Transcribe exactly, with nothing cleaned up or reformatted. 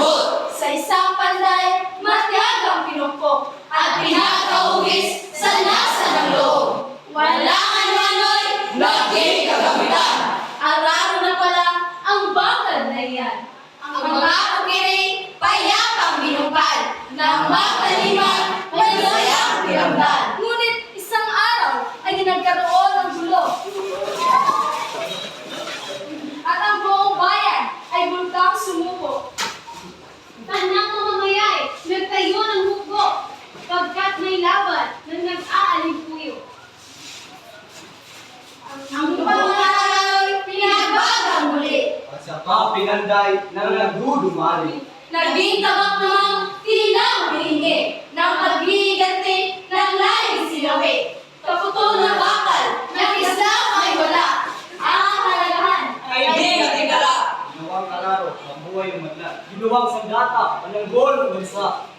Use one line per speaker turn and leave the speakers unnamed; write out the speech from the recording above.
pinalambot.
Sa isang panday, matiyagang pinupok
At pinakauwis sa nasa ng loob.
Walang ano-ano'y
Naging kagamitan.
araro na pala ang bakal na iyan.
Ang mga kukiring payapang binumpal. Ng mataliman, masayang piramdal.
Ngunit isang araw ay nagkaroon ng gulo. At ang buong bayan ay bulkang sumuko. Tanang mamamayay, nagtayo ng hukbo, pagkat may laban na nag-aalimpuyo. Ang pangalan
Pinagbagang muli.
At saka pinanday ng nagdudumari.
Naging tabak namang tila humihingi ng paghihiganti ng layong sinawi. Kaputol na bakal ng Islam ay wala. Ang kahalagahan ay di natigala.
Ginawang kalaro, ang buhay ng madla. Ginawang sandata, ang gol ng bansa.